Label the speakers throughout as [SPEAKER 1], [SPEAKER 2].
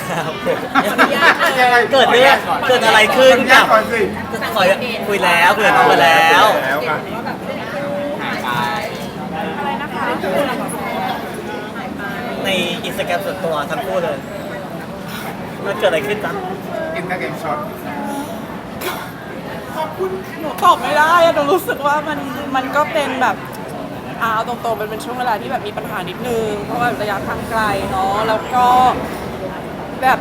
[SPEAKER 1] ครับเกิดอะไรขึ้นกับขอคุยแล้วคุยกับน้องมาแล้ว
[SPEAKER 2] อะไรนะคะ
[SPEAKER 1] ในอินสตาแกรมส่วนตัวทั้งคู่เลยมันเกิดอะไรขึ้นจ๊ะ
[SPEAKER 3] อินสตาแกรมช็อต
[SPEAKER 2] หนูตอบไม่ได้อะหนูรู้สึกว่ามันก็เป็นแบบเอาตรงๆมันเป็นช่วงเวลาที่แบบมีปัญหานิดนึงเพราะว่าระยะทางไกลเนาะแล้วก็แบบ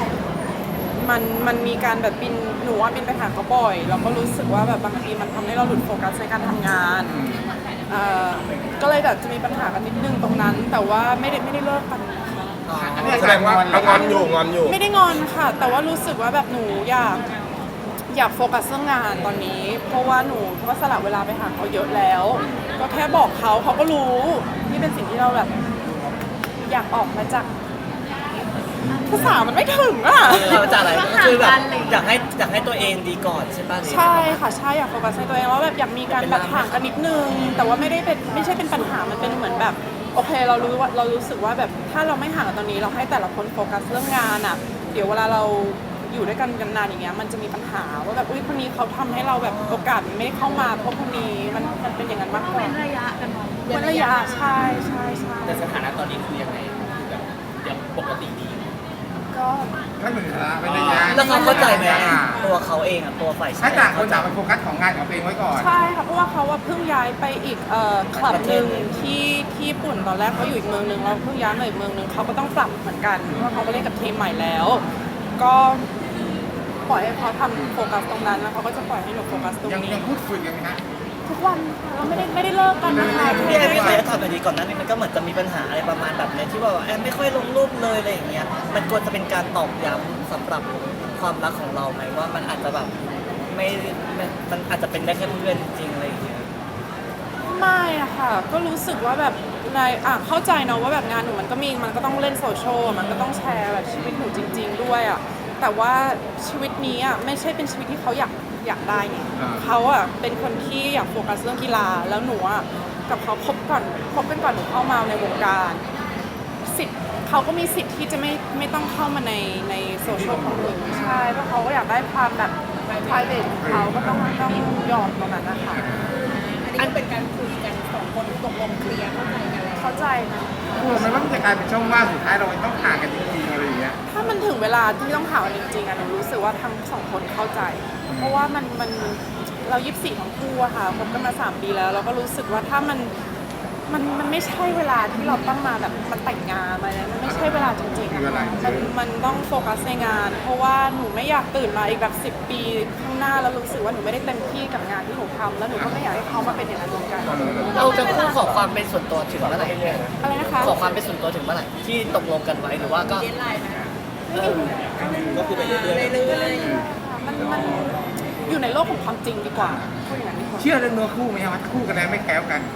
[SPEAKER 2] มันมีการแบบบินหนูว่าบินไปหาเขาบ่อยแล้วก็รู้สึกว่าแบบบางทีมันทำให้เราหลุดโฟกัสในการทำงานก็เลยแบบจะมีปัญหากันนิดนึงตรงนั้น แต่ว่าไม่ได้เลิกกันนะคะ
[SPEAKER 3] แสดงว่าเรางอนอยู่
[SPEAKER 2] ไม่ได้งอนค่ะ แต่ว่ารู้สึกว่าแบบหนูอยากโฟกัสเรื่องงานตอนนี้ เพราะว่าหนูก็สละเวลาไปหาเขาเยอะแล้ว ก็แค่บอกเขาก็รู้นี่เป็นสิ่งที่เราแบบอยากออกมาจากภาษามันไม่ถึงอ่ะ
[SPEAKER 1] เราจะอะไรก็คือแบบอยากให้ตัวเองดีก่อนใช่ป่ะ
[SPEAKER 2] ใช่ค่ะใช่อยากโฟกัสในตัวเองว่าแบบอยากมีการแบบห่างกันนิดนึงแต่ว่าไม่ใช่เป็นปัญหามันเป็นเหมือนแบบโอเคเรารู้สึกว่าแบบถ้าเราไม่ห่างกันตอนนี้เราให้แต่ละคนโฟกัสเรื่องงานอ่ะเดี๋ยวเวลาเราอยู่ด้วยกันนานอย่างเงี้ยมันจะมีปัญหาว่าแบบอุ้ยคนนี้เขาทำให้เราแบบโอกาสไม่เข้ามาเพราะคนนี้มันเป็นอย่างนั้นมากกว่า
[SPEAKER 4] เป็นระยะกันไหม
[SPEAKER 2] เป็นระยะใช่ใช่
[SPEAKER 5] แต่สถานะตอนนี้คือยังไงแบบยังปกติดี
[SPEAKER 2] ก็
[SPEAKER 3] ถ้าเหมือนกันเป็นระยะ
[SPEAKER 1] แล้วเขาเข้าใจไหมตัวเขาเองอ่ะตัวฝ่ายชา
[SPEAKER 3] ถ้าย ต่างคนต่างไปโฟกัสของงานของตัวเองไว้ก่อน
[SPEAKER 2] ใช่ค่ะเพราะว่าเขาว่าเพิ่งย้ายไปอีกคลับหนึ่งที่ญี่ปุ่นตอนแรกเขาอยู่อีกเมืองหนึ่งแล้วเพิ่งย้ายมาอีกเมืองหนึ่งเขาก็ต้องปรับเหมือนกันเพราะว่าเขาก็เล่นกับทีมใหม่แล้ว ก็ปล่อยให้เขาทำโฟกัสตรงนั้นแล้วเขาก็จะปล่อยให้หนูโฟกัสตรง
[SPEAKER 3] ยัง
[SPEAKER 2] นี้
[SPEAKER 3] พูดคุยกันไหมฮะ
[SPEAKER 2] ทุกวันค่ะเราไม่ได้เลิกกันนะคะ
[SPEAKER 1] พี่แอนไม่เคยถามแบบนี้ก่อนหนั้านมันก็เหมือนจะมีปัญหาอะไรประมาณแบบนี้ที่ว่าแอนไม่ค่อยลงรูปเลยอะไรอย่างเงี้ยมันควรจะเป็นการตอกย้ำสำหรับความรักของเราไหมว่ามันอาจจะแบบไม่มันอาจจะเป็นได้แค่เพื่อนจริงๆอะไรอย่างเงี้ย
[SPEAKER 2] ไม่อะค่ะก็รู้สึกว่าแบบเข้าใจเนาะว่าแบบงานหนูมันก็ต้องเล่นโซเชียลมันก็ต้องแชร์แบบชีวิตหนูจริง ๆด้วยอะแต่ว่าชีวิตนี้อะไม่ใช่เป็นชีวิตที่เขาอยากได้ไงเขาอะเป็นคนที่อยากโฟกัสเรื่องกีฬาแล้วหนูอะกับเขาคบกันก่อนหนูเข้ามาในวงการสิทธิ์เขาก็มีสิทธิ์ที่จะไม่ต้องเข้ามาในโซเชียลของหนูใช่เพราะเขาก็อยากได้ความแบบ private ของเขาก็ต้องยอมตรงนั้นนะคะ
[SPEAKER 4] อันเป็นการคุยกันสองคนตกลงเคลียร์เข้าใจกันแล้ว
[SPEAKER 2] เข้าใจนะ
[SPEAKER 3] กลัวไหมว่ามันจะกลายเป็นช่องว่างสุดท้ายเราต้องห่างกันจริงๆอะไรอย่างเงี้ย
[SPEAKER 2] ถ้ามันถึงเวลาที่ต้องห่างกันจริงๆอะหนูรู้สึกว่าทั้งสองคนเข้าใจ เพราะว่ามันเรา24ทั้งคู่อะค่ะคบกันมา3 ปีแล้วเราก็รู้สึกว่าถ้ามันไม่ใช่เวลาที่เราต้องมาแบบมาแต่งงานอะไรนะมันไม่ใช่เวลาจริงๆอะค่ะมันต้องโฟกัสในงาน เพราะว่าหนูไม่อยากตื่นมาอีกแบบ10 ปีข้างหน้าแล้วรู้สึกว่าหนูไม่ได้เต็มที่กับงานที่หนูทำแล้วหนูก็ไม่อยากให้เขามาเป็นอย่างนั้นเหมือนกัน
[SPEAKER 1] เราจะคู่ขอความเป็นส่วนตัวถึงเมื่อไหร่
[SPEAKER 2] อะไรนะคะ
[SPEAKER 1] ขอความเป็นส่วนตัวถึงเมื่อไหร่ที่ตกลงกันไว้หรือว่าก็
[SPEAKER 4] เดทไลน์นะ
[SPEAKER 1] ก็คือไปเรื่อย
[SPEAKER 4] เรื่อย
[SPEAKER 2] มันอยู่ในโลกของความจริงดีกว่าพูดอย่างนั้นดีกว่า
[SPEAKER 3] เชื่อเรื่องเนื้อคู่ไหมฮะว่าคู่กันแล้วไม่แคล้วกัน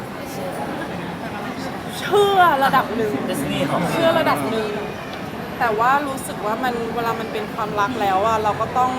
[SPEAKER 2] เชื่อระดับหนึ่ง
[SPEAKER 1] ดิสนีย์ของ
[SPEAKER 2] เชื่อระดับหนึ่งแต่ว่ารู้สึกว่ามันเวลามันเป็นความรักแล้วอะเราก็ต้อง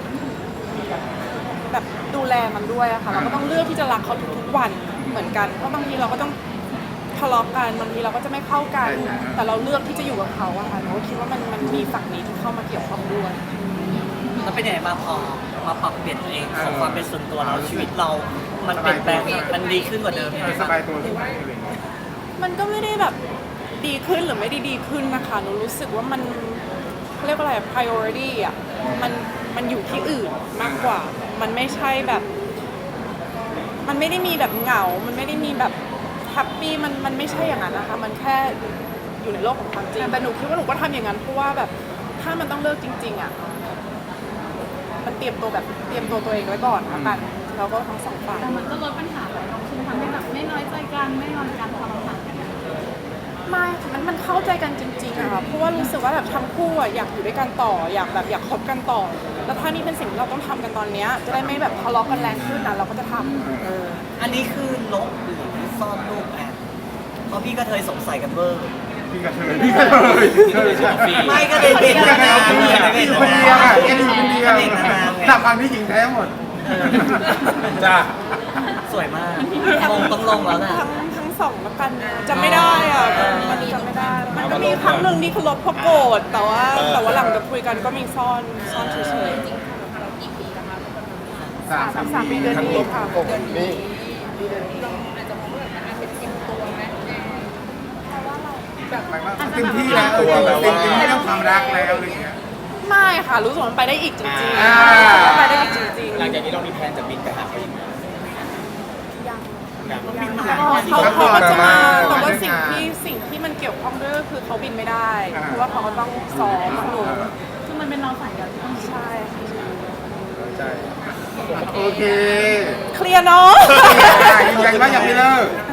[SPEAKER 2] แบบดูแลมันด้วยอะค่ะเราก็ต้องเลือกที่จะรักเขาทุกๆวันเหมือนกันเพราะบางทีเราก็ต้องทะเลาะกันบางทีเราก็จะไม่เข้ากัน แต่เราเลือกที่จะอยู่กับเขาอะค่ะหนูก็คิดว่ามันมีฝั่งนี้ที่เข้ามาเกี่ยวข้องด้วย
[SPEAKER 1] แล้วเป็นยังไงบ้างพอมาปรับเปลี่ยนตัวเองขอความเป็นส่วนตัวเราชีวิตเรา มันเปลี่ยนแปลงมันดีขึ้นกว่าเดิมยังไง
[SPEAKER 3] ส
[SPEAKER 1] บ้าง
[SPEAKER 3] บายตัวขึ้นไหมอะไรอย่างเงี้ย
[SPEAKER 2] มันก็ไม่ได้แบบดีขึ้นหรือไม่ได้ดีขึ้นนะคะหนูรู้สึกว่ามันเขาเรียกว่าอะไร priority อ่ะมันอยู่ที่อื่นมากกว่า มันไม่ใช่แบบ มันไม่ได้มีแบบเหงา มันไม่ได้มีแบบแฮปปี้มันไม่ใช่อย่างนั้นนะคะ มันแค่อยู่ในโลกของความจริงแต่หนูคิดว่าหนูก็ทำอย่างนั้นเพราะว่าแบบถ้ามันต้องเลิกจริงๆอ่ะมันเตรียมตัวตัวเองไว้ก่อนละกันแล้วก็ทั้งสองฝ่าย
[SPEAKER 4] ๆแต่มันก็ลดปัญหาไปเนาะคือทำให้แบบไม่น้อยใจกันไม่งอนกันพอเราห่างกัน
[SPEAKER 2] ไม่ค่ะมันเข้าใจกันจริงๆอะค่ะเพราะว่ารู้สึกว่าแบบทั้งคู่อะอยากอยู่ด้วยกันต่ออยากคบกันต่อ แล้วถ้านี่เป็นสิ่งที่เราต้องทำกันตอนเนี้ยจะได้ไม่แบบทะเลาะกันแรงขึ้นนะเราก็จะทำ
[SPEAKER 1] อันนี้คือลบหรือซ่อนรูปแอนเพราะพี่ก็เคยสงสัยกันเบอร์
[SPEAKER 3] พี่ก็เธอพี่ก็เธอ
[SPEAKER 1] ไม่ก็เลยเป็น
[SPEAKER 3] พี่ก็เธอคนเดียว
[SPEAKER 1] ไม่
[SPEAKER 3] อยู่
[SPEAKER 1] เป็น
[SPEAKER 3] คนเดียวอ่ะแค่อยู่คนเดียว
[SPEAKER 1] ไม่เป็นนานไง
[SPEAKER 3] หลับความที่หญิงแท้หมดจ้า
[SPEAKER 1] สวยมากคงต้องลงแล้วแหละ
[SPEAKER 2] ทั้งสองแล้วกันจำไม่ได้อะมันจำไม่ได้
[SPEAKER 4] มัน
[SPEAKER 2] ก็มีครั้งหนึ่งนี่คือลบเพราะโกรธแต่ว่าหลังจากคุยกันก็มีซ่อนเฉย
[SPEAKER 4] จริงๆค่ะเรากี่ปีแล้วคะ
[SPEAKER 2] ๆ3 ปีเดือนนี้ค่ะ
[SPEAKER 6] นี่
[SPEAKER 4] เราอาจจะมองว่าแบบมันเป็นเต็มตัวไหมแบบ
[SPEAKER 3] หมายว่าเต็มที่แล้วเต็มที่เรื่องความรักแล้วอะไรอย่างเงี้ย
[SPEAKER 2] ไม่ค่ะรู้สึกว่ามันไปได้อีกจริง
[SPEAKER 3] อ่า
[SPEAKER 2] ๆไปได้อีกจริงๆ
[SPEAKER 5] หลังจากนี้เรามีแผนจะบินไปหาเขาอีกไหมยัง
[SPEAKER 2] เขาก็จะมาแต่ว่าสิ่งที่มันเกี่ยวข้องด้วยก็คือเขาบินไม่ได้เพราะว่าเขาก็ต้องซ้อมหนูซึ่งมันเป็นน้องสายกันใช่
[SPEAKER 3] โอเค
[SPEAKER 2] เคลียร์เนาะ
[SPEAKER 3] ยืนยันว่ายังไม่เลิก